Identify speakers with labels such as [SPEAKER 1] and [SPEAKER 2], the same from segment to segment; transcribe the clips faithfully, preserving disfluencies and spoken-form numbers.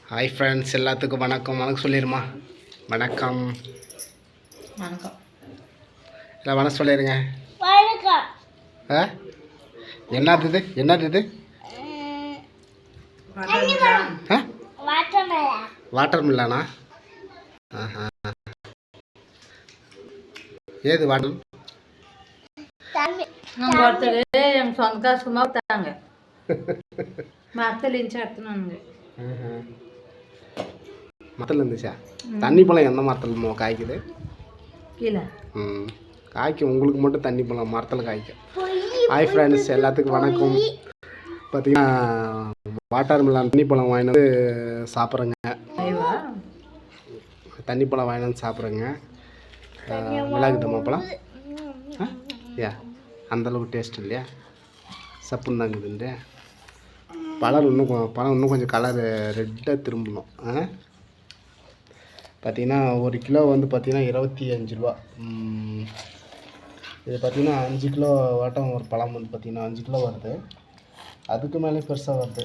[SPEAKER 1] Hi friends, எல்லாத்துக்கும் வணக்கம். வணக்கம் சொல்லிடுமா? வணக்கம்
[SPEAKER 2] வணக்கம்
[SPEAKER 1] இல்லை வணக்கம் சொல்லிடுங்க.
[SPEAKER 3] வணக்கம்.
[SPEAKER 1] ஆ என்னது இது என்னது இது ஆ வாட்டர் மில்லானா? ஆஹா, ஏது வாட்டர்?
[SPEAKER 2] நம்ம ஒருத்தர் எங்கள் சொந்த சும்மா தாங்க மரத்தில் இருந்துச்சு எடுத்துனானுங்க.
[SPEAKER 1] மரத்தில் இருந்துச்சா? தண்ணி பழம் எந்த மரத்தில் காய்க்குது?
[SPEAKER 2] கீழே
[SPEAKER 1] ம் காய்க்கும். உங்களுக்கு மட்டும் தண்ணி பழம் மரத்தில் காய்க்கும். ஹாய் ஃப்ரெண்ட்ஸ், எல்லாத்துக்கும் வணக்கம். பார்த்தீங்கன்னா வாட்டர் மில்லான் தண்ணி பழம் வாங்கிட்டு வந்து சாப்பிட்றேங்க. தண்ணி பழம் வாங்கிட்டு வந்து சாப்பிட்றேங்க. மிளகுதம்மா பழம் ஏ அந்தளவுக்கு டேஸ்ட் இல்லையா? சப்புன்னு தாங்குதுண்டு. பழம் இன்னும் பழம் இன்னும் கொஞ்சம் கலர் ரெட்டாக திரும்பணும். பார்த்திங்கன்னா ஒரு கிலோ வந்து பார்த்திங்கன்னா இருபத்தி அஞ்சு ரூபா. இது பார்த்திங்கன்னா அஞ்சு கிலோ வாட்டம் ஒரு பழம் வந்து பார்த்திங்கன்னா அஞ்சு கிலோ வருது. அதுக்கு மேலே பெருசாக வருது.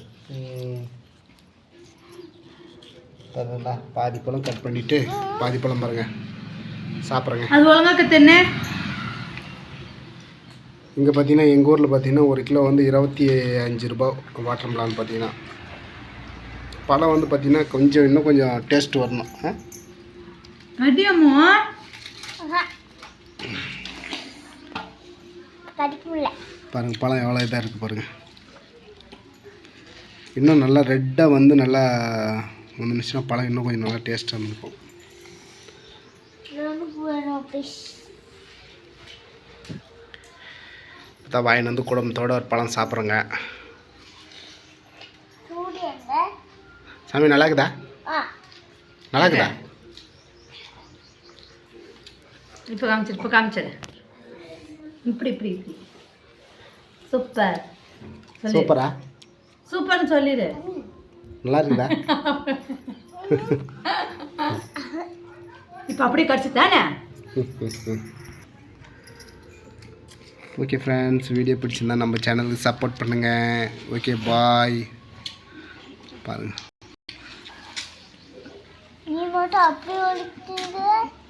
[SPEAKER 1] அதுங்களா பாதி பழம் கட் பண்ணிவிட்டு பாதி பழம் பாருங்கள் சாப்பிட்றேங்க.
[SPEAKER 2] அது ஒழுங்காக்க தின்னு.
[SPEAKER 1] இங்கே பார்த்தீங்கன்னா எங்கள் ஊரில் பார்த்தீங்கன்னா ஒரு கிலோ வந்து இருபத்தி அஞ்சு ரூபா வாட்டர் மிலான். பார்த்தீங்கன்னா பழம் வந்து பார்த்திங்கன்னா கொஞ்சம் இன்னும் கொஞ்சம் டேஸ்ட் வரணும். பாருங்கள் பழம் எவ்வளோ இதாக இருக்குது பாருங்கள். இன்னும் நல்லா ரெட்டாக வந்து நல்லா வந்துச்சுன்னா பழம் இன்னும் கொஞ்சம் நல்லா டேஸ்ட்டாக இருந்திருக்கும். இப்போ வாயின் வந்து குடும்பத்தோட ஒரு பழம் சாப்பிட்றோங்க. சாமி நல்லா இருக்குதா? நல்லா இருக்குதா?
[SPEAKER 2] இப்போ காமிச்சிரு இப்போ காமிச்சிரு இப்படி இப்படி இப்படி சூப்பர்.
[SPEAKER 1] சூப்பரா?
[SPEAKER 2] சூப்பர்னு சொல்லிடு.
[SPEAKER 1] நல்லா இருக்குதா?
[SPEAKER 2] இப்போ அப்படியே கடிச்சு தானே.
[SPEAKER 1] ஓகே ஃப்ரெண்ட்ஸ், வீடியோ பிடிச்சிருந்தா நம்ம சேனலுக்கு சப்போர்ட் பண்ணுங்கள். Okay bye. பாருங்கள்
[SPEAKER 3] நீ மட்டும் அப்படியே